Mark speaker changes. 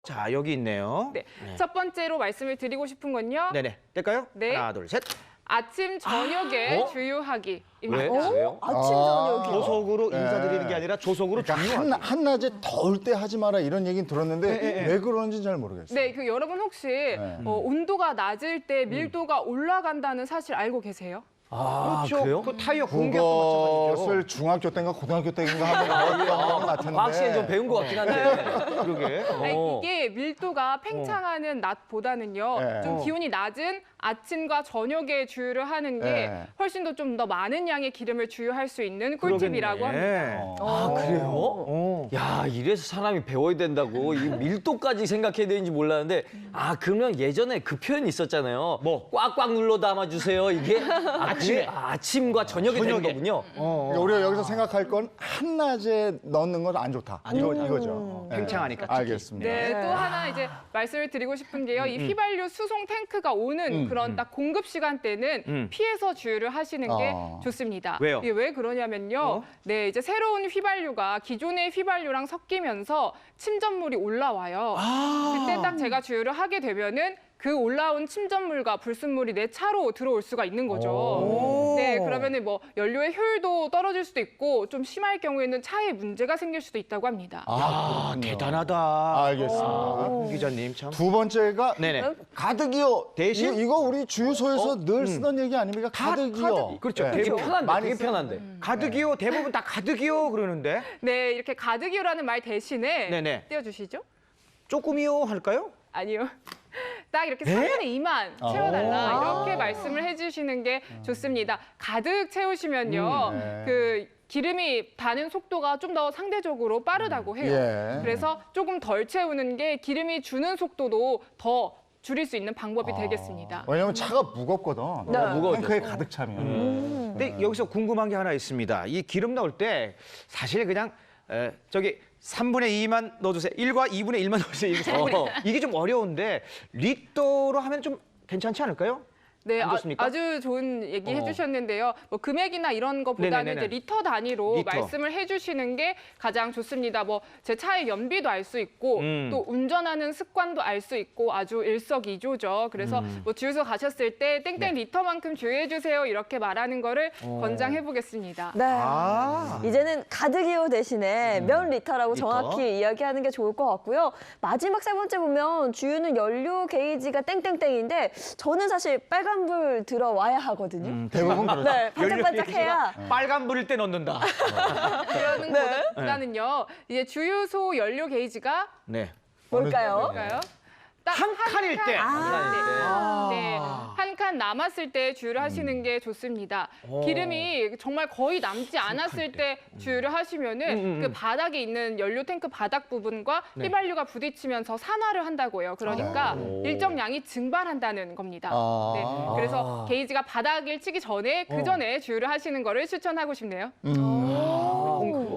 Speaker 1: 자, 여기 있네요.
Speaker 2: 네.
Speaker 1: 네.
Speaker 2: 첫 번째로 말씀을 드리고 싶은 건요.
Speaker 1: 네네. 뗄까요?
Speaker 2: 네.
Speaker 1: 하나, 둘, 셋.
Speaker 2: 아침, 저녁에 주유하기입니다.
Speaker 1: 왜요?
Speaker 3: 아침 저녁이요.
Speaker 1: 조속으로
Speaker 4: 네.
Speaker 1: 인사드리는 게 아니라 조속으로
Speaker 4: 그러니까
Speaker 1: 중요하게.
Speaker 4: 한낮에 더울 때 하지 마라 이런 얘기는 들었는데
Speaker 1: 네.
Speaker 4: 왜 그런지 잘 모르겠어요.
Speaker 2: 네, 그 여러분 혹시 온도가 낮을 때 밀도가 올라간다는 사실 알고 계세요?
Speaker 3: 아,
Speaker 1: 그렇죠.
Speaker 3: 그래요?
Speaker 1: 그 타이어 공격도 마찬가지죠.
Speaker 4: 그것을 중학교 때인가 고등학교 때인가 한번 배웠던 것 같은데.
Speaker 3: 과학 시간에 좀 배운 것 같긴 한데.
Speaker 1: 그러게.
Speaker 2: 아니, 이게 밀도가 팽창하는 낮보다는요,
Speaker 4: 네.
Speaker 2: 좀 기온이 낮은 아침과 저녁에 주유를 하는 게
Speaker 4: 네.
Speaker 2: 훨씬 더 좀 더 많은 양의 기름을 주유할 수 있는 꿀팁이라고 합니다.
Speaker 3: 아, 그래요?
Speaker 1: 어.
Speaker 3: 야, 이래서 사람이 배워야 된다고. 이 밀도까지 생각해야 되는지 몰랐는데, 아, 그러면 예전에 그 표현이 있었잖아요.
Speaker 1: 뭐?
Speaker 3: 꽉꽉 눌러 담아주세요. 이게
Speaker 1: 아침에.
Speaker 3: 아침과 저녁에 되는
Speaker 1: 저녁에.
Speaker 3: 거군요.
Speaker 4: 그러니까 우리가 여기서 생각할 건 한낮에 넣는 건 안 좋다. 이거죠. 네.
Speaker 1: 팽창하니까 특히.
Speaker 4: 알겠습니다.
Speaker 2: 네, 또 하나 이제 말씀을 드리고 싶은 게요. 이 휘발유 수송 탱크가 오는 그런 딱 공급 시간대는 피해서 주유를 하시는 게 좋습니다.
Speaker 1: 왜요?
Speaker 2: 이게 왜 그러냐면요. 네, 이제 새로운 휘발유가 기존의 휘발유랑 섞이면서 침전물이 올라와요. 그때 딱 제가 주유를 하게 되면은 그 올라온 침전물과 불순물이 내 차로 들어올 수가 있는 거죠. 네, 그러면은 뭐 연료의 효율도 떨어질 수도 있고 좀 심할 경우에는 차에 문제가 생길 수도 있다고 합니다.
Speaker 1: 아, 대단하다.
Speaker 4: 알겠습니다.
Speaker 1: 홍 기자님 참.
Speaker 4: 두 번째가
Speaker 1: 네네.
Speaker 4: 가득이요.
Speaker 1: 대신?
Speaker 4: 이거 우리 주유소에서 늘 쓰던 얘기 아닙니까? 가득이요.
Speaker 1: 그렇죠.
Speaker 4: 네.
Speaker 3: 되게 편한데,
Speaker 4: 많이
Speaker 3: 되게
Speaker 4: 써요.
Speaker 3: 편한데.
Speaker 1: 가득이요. 대부분 다 가득이요 그러는데
Speaker 2: 네, 이렇게 가득이요라는 말 대신에
Speaker 1: 네네.
Speaker 2: 띄워주시죠.
Speaker 1: 조금이요 할까요?
Speaker 2: 아니요. 딱 이렇게 3분의 2만 채워달라 이렇게 말씀을 해주시는 게 좋습니다. 가득 채우시면요.
Speaker 4: 네.
Speaker 2: 그 기름이 다는 속도가 좀 더 상대적으로 빠르다고 해요.
Speaker 4: 예.
Speaker 2: 그래서 조금 덜 채우는 게 기름이 주는 속도도 더 줄일 수 있는 방법이 되겠습니다.
Speaker 4: 왜냐면 차가 무겁거든.
Speaker 3: 무거워져.
Speaker 4: 탱크에 가득 차면.
Speaker 1: 근데 여기서 궁금한 게 하나 있습니다. 이 기름 넣을 때 사실 그냥 저기 3분의 2만 넣어주세요. 1과 2분의 1만 넣어주세요. 이게 좀 어려운데 리터로 하면 좀 괜찮지 않을까요?
Speaker 2: 네,
Speaker 1: 안 좋습니까?
Speaker 2: 아주 좋은 얘기 해주셨는데요. 뭐 금액이나 이런 거보다는
Speaker 1: 네네네네.
Speaker 2: 이제 리터 단위로
Speaker 1: 리터.
Speaker 2: 말씀을 해주시는 게 가장 좋습니다. 뭐 제 차의 연비도 알 수 있고 또 운전하는 습관도 알 수 있고 아주 일석이조죠. 그래서 뭐 주유소 가셨을 때 땡땡 리터만큼 주유해 주세요 이렇게 말하는 거를 권장해 보겠습니다.
Speaker 5: 네.
Speaker 1: 아.
Speaker 5: 이제는 가득이요 대신에 몇 리터라고
Speaker 1: 리터?
Speaker 5: 정확히 이야기하는 게 좋을 것 같고요. 마지막 세 번째 보면 주유는 연료 게이지가 땡땡땡인데 저는 사실 빨간불 들어와야 하거든요.
Speaker 4: 대부분 그렇죠.
Speaker 5: 네, 반짝반짝해야.
Speaker 1: 빨간 불일 때 넣는다.
Speaker 2: 그러는 것보다는요. 이제 주유소 연료 게이지가
Speaker 1: 네.
Speaker 5: 뭘까요?
Speaker 2: 볼까요?
Speaker 1: 한 칸일 때.
Speaker 2: 네, 한 칸 남았을 때 주유를 하시는 게 좋습니다. 기름이 정말 거의 남지 않았을 때 주유를 하시면은 그 바닥에 있는 연료 탱크 바닥 부분과 휘발유가 부딪히면서 산화를 한다고요. 그러니까 일정 양이 증발한다는 겁니다. 네, 그래서 게이지가 바닥을 치기 전에 그 전에 주유를 하시는 거를 추천하고 싶네요.